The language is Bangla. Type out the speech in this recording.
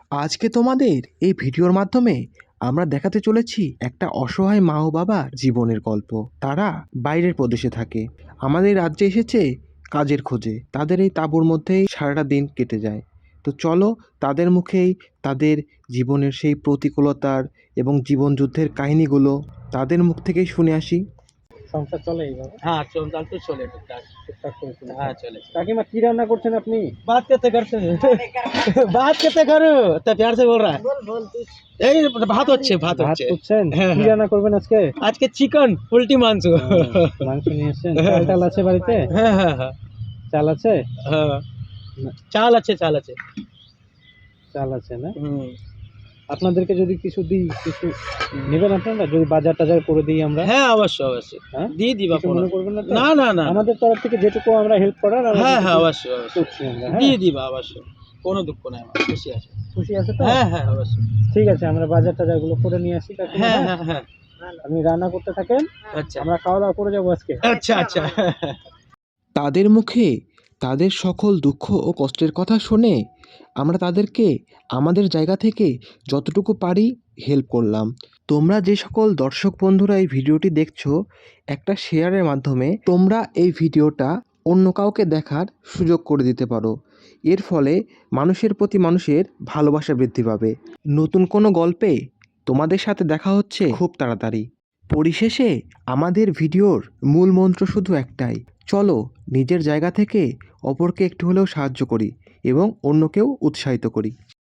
আজকে তোমাদের এই ভিডিওর মাধ্যমে আমরা দেখাতে চলেছি একটা অসহায় মা ও বাবার জীবনের গল্প। তারা বাইরের প্রদেশে থাকে, আমাদের রাজ্যে এসেছে কাজের খোঁজে। তাদের এই তাঁবুর মধ্যেই সারাটা দিন কেটে যায়। তো চলো তাদের মুখেই তাদের জীবনের সেই প্রতিকূলতার এবং জীবন যুদ্ধের কাহিনীগুলো তাদের মুখ থেকেই শুনে আসি। সংসার চলে এইভাবে? हाँ चल तो चले टुकटाक। টুকটাক করে চলে। हाँ चले কাকিমা কি রান্না করছেন আপনি? बात कैसे करते हैं बात कैसे करो तो प्यार से बोल रहा है এই ভাত হচ্ছে ভাত ভাত হচ্ছে করছেন? হ্যাঁ, কি হ্যাঁ। রান্না করবেন আজকে? আজকে চিকেন পোল্ট্রি মাংস মাংস নিয়ে এসেছেন? চাল টাল আছে বাড়িতে? হ্যাঁ হ্যাঁ হ্যাঁ চাল আছে? হ্যাঁ চাল আছে চাল আছে চাল আছে না? হুম আপনাদেরকে যদি কিছু দিই, কিছু নেবেন আপনারা? যদি বাজার টাজার করে দিই আমরা? হ্যাঁ অবশ্যই অবশ্যই হ্যাঁ, দিয়ে দিবা কিছু মনে করবেন না তো? না না না আমাদের তরফ থেকে যেটুকু আমরা হেল্প করার আমরা হ্যাঁ হ্যাঁ সেটুকু অবশ্যই অবশ্যই করছি আমরা। হ্যাঁ, দিয়ে দিবা অবশ্যই কোনো দুঃখ নাই আমার খুশি আছে খুশি আছে তো? হ্যাঁ হ্যাঁ অবশ্যই ঠিক আছে, আমরা বাজার টাজার গুলো করে নিয়ে আসি কাকিমা। হ্যাঁ হ্যাঁ, হ্যাঁ হ্যাঁ আপনি রান্না করতে থাকেন, আচ্ছা আমরা খাওয়া দাওয়া করে যাবো আজকে। আচ্ছা আচ্ছা তাদের মুখে তাদের সকল দুঃখ ও কষ্টের কথা শুনে আমরা তাদেরকে আমাদের জায়গা থেকে যতটুকু পারি হেল্প করলাম। তোমরা যে সকল দর্শক বন্ধুরা এই ভিডিওটি দেখছো, একটা শেয়ারের মাধ্যমে তোমরা এই ভিডিওটা অন্য কাউকে দেখার সুযোগ করে দিতে পারো। এর ফলে মানুষের প্রতি মানুষের ভালোবাসা বৃদ্ধি পাবে। নতুন কোনো গল্পে তোমাদের সাথে দেখা হচ্ছে খুব তাড়াতাড়ি। পরিশেষে আমাদের ভিডিওর মূল মন্ত্র শুধু একটাই, চলো নিজের জায়গা থেকে অপরকে একটু হলেও সাহায্য করি এবং অন্যকেও উৎসাহিত করি।